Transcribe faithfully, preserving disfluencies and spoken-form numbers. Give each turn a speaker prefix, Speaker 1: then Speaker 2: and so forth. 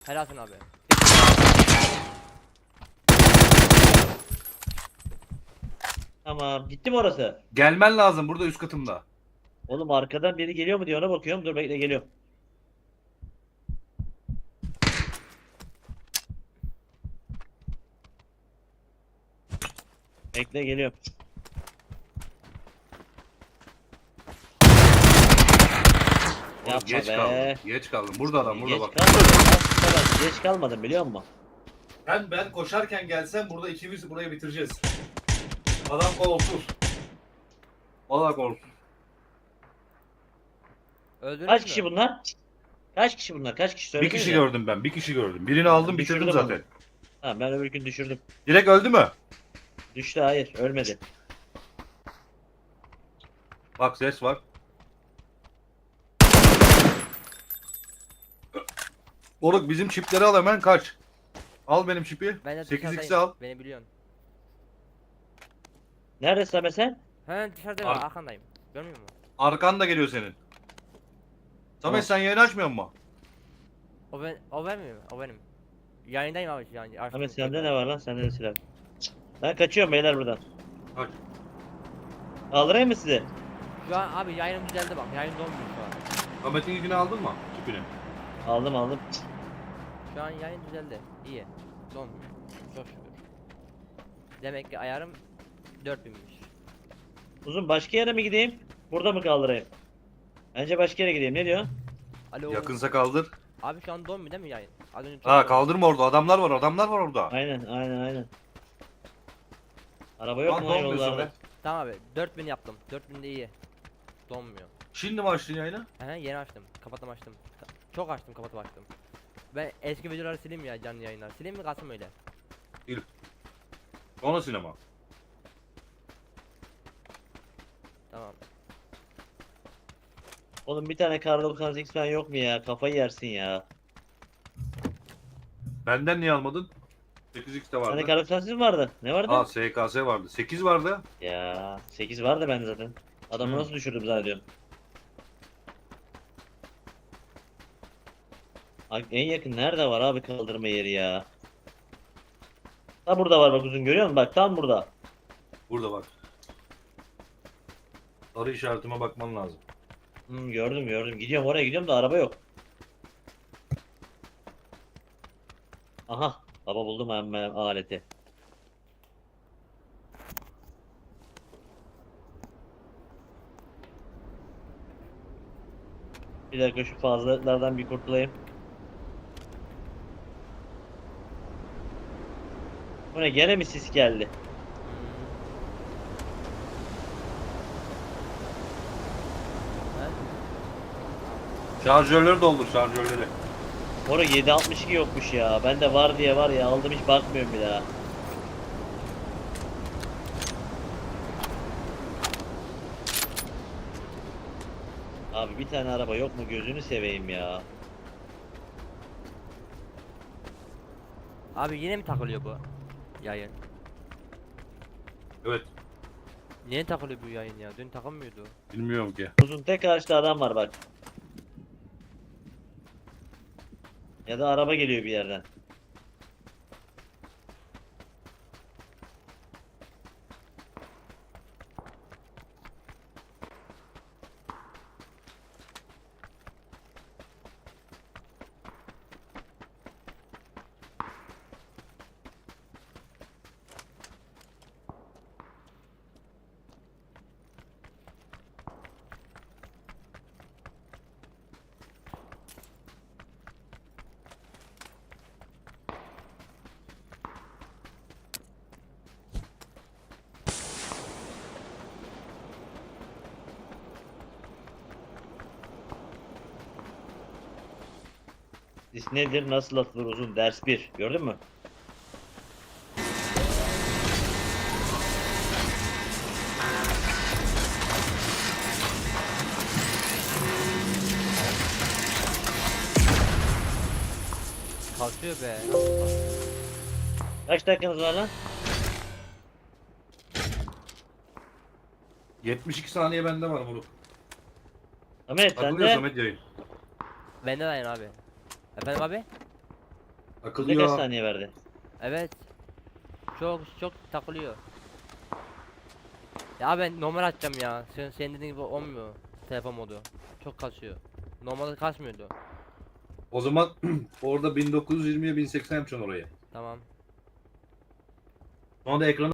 Speaker 1: Helalsin abi.
Speaker 2: Tamam. Gitti mi orası?
Speaker 3: Gelmen lazım burada üst katımda.
Speaker 2: Oğlum arkadan biri geliyor mu diye ona bakıyorum. Dur bekle geliyorum. Bekle geliyorum.
Speaker 3: Oğlum,
Speaker 2: Yapma
Speaker 3: geç
Speaker 2: be.
Speaker 3: kaldım. Geç kaldım. Burada adam burada
Speaker 2: Geç
Speaker 3: bak.
Speaker 2: kalmadım. Aslında bak, geç kalmadım biliyor musun?
Speaker 3: Ben ben koşarken gelsem burada ikimiz burayı bitireceğiz. Adam kolsuz. Valla kolsuz.
Speaker 1: Öldünüz
Speaker 2: Kaç
Speaker 1: mü?
Speaker 2: kişi bunlar? Kaç kişi bunlar? Kaç kişi
Speaker 3: Bir
Speaker 2: söylesene.
Speaker 3: kişi gördüm ben. Bir kişi gördüm. Birini aldım
Speaker 2: Düşürdüm
Speaker 3: bitirdim
Speaker 2: onu.
Speaker 3: zaten.
Speaker 2: Ha ben öbür gün düşürdüm.
Speaker 3: Direkt öldü mü?
Speaker 2: Düştü hayır ölmedi.
Speaker 3: Bak ses var. Oruk bizim çipleri al hemen kaç. Al benim çipi.
Speaker 1: Ben de
Speaker 3: sekiz x'i
Speaker 1: dışarıdayım.
Speaker 3: al.
Speaker 1: Beni biliyorsun.
Speaker 2: Neredesin Ahmet sen?
Speaker 1: He dışarıdayım
Speaker 3: Ar-
Speaker 1: abi, arkandayım. Görmüyor musun?
Speaker 3: Arkan da geliyor senin. Samet
Speaker 2: Tamam.
Speaker 3: sen yayını açmıyor musun?
Speaker 1: O ben o vermiyor mu? O benim. Yayındayım abi yani.
Speaker 2: Ahmet sende ne var lan? Sende de silah. Ben kaçıyorum beyler buradan.
Speaker 3: Kaç.
Speaker 2: Kaldırayım mı sizi?
Speaker 1: Şu an abi yayınım düzeldi bak. Yayın donmuyor şu an.
Speaker 3: Samet'in ilgini aldın mı? Çipini.
Speaker 2: Aldım aldım.
Speaker 1: Şu an yayın düzeldi. İyi. Donmuyor. Çok şükür. Demek ki ayarım dört binmiş.
Speaker 2: Uzun başka yere mi gideyim? Burada mı kaldırayım? Bence başka yere gideyim. Ne diyor?
Speaker 1: Alo.
Speaker 3: Yakınsa kaldır.
Speaker 1: Abi şu an donmuyor değil mi yayın? Az önce
Speaker 3: Ha kaldırma orada. Adamlar var. Adamlar var orada.
Speaker 2: Aynen aynen aynen. Araba yok
Speaker 3: Lan
Speaker 2: mu
Speaker 3: donmuyor
Speaker 2: yollarda?
Speaker 3: Samet.
Speaker 1: Tamam abi dört bin yaptım. dört bin de iyi. Donmuyor.
Speaker 3: Şimdi mi açtın yayını?
Speaker 1: He yeni açtım. Kapattım açtım. Ka- Çok açtım kapatıp açtım. Ben eski videoları sileyim ya, canlı yayınlar. Sileyim mi kalsın öyle?
Speaker 3: Sonra sinema.
Speaker 1: Tamam.
Speaker 2: Oğlum bir tane kar doksan sekiz falan yok mu ya? Kafayı yersin ya.
Speaker 3: Benden niye almadın? sekiz x de
Speaker 2: Bir tane
Speaker 3: vardı.
Speaker 2: kar doksan sekiz mi vardı? Ne vardı?
Speaker 3: Aa S K S vardı. sekiz vardı.
Speaker 2: Ya sekiz vardı bende zaten. Adamı
Speaker 3: Hı.
Speaker 2: nasıl düşürdüm zannediyorum. Bak en yakın nerede var abi kaldırma yeri ya? Tam burada var bak uzun görüyor musun? Bak tam burada.
Speaker 3: Burada bak. Sarı işaretime bakman lazım.
Speaker 2: Hmm, gördüm gördüm. Gidiyorum oraya gidiyorum da araba yok. Aha. Baba buldum hemen aleti. Bir dakika şu fazlalıklardan bir kurtulayım. Bu ne gene mi sis geldi?
Speaker 1: He?
Speaker 3: Şarjörleri doldur şarjörleri.
Speaker 2: Orada yedi altmış iki yokmuş ya. Ben de var diye var ya aldım hiç bakmıyorum bir daha. Abi bir tane araba yok mu gözünü seveyim ya.
Speaker 1: Abi yine mi takılıyor bu yayın?
Speaker 3: Evet.
Speaker 1: Niye takılıyor bu yayın ya? Dün takılmıyordu.
Speaker 3: Bilmiyorum ki.
Speaker 2: Uzun tek ağaçta adam var bak. Ya da araba geliyor bir yerden. Sis nedir nasıl atılır uzun ders bir gördün mü?
Speaker 1: Kalkıyor be.
Speaker 2: Kaç dakikanız var lan?
Speaker 3: yetmiş iki saniye bende var Murat.
Speaker 2: Ahmet sen
Speaker 3: Takılıyor
Speaker 2: de
Speaker 3: Samet yayın.
Speaker 1: Bende de yayın abi. Efendim abi?
Speaker 2: Ne kaç
Speaker 3: Takılıyor.
Speaker 2: saniye verdi?
Speaker 1: Evet. Çok çok takılıyor. Ya ben normal açacağım ya. Sen senin dediğin gibi olmuyor. Telefon modu. Çok kasıyor. Normalde kasmıyordu.
Speaker 3: O zaman orada bin dokuz yüz yirmiye bin seksen yapacaksın orayı.
Speaker 1: Tamam.
Speaker 3: Şu anda ekranı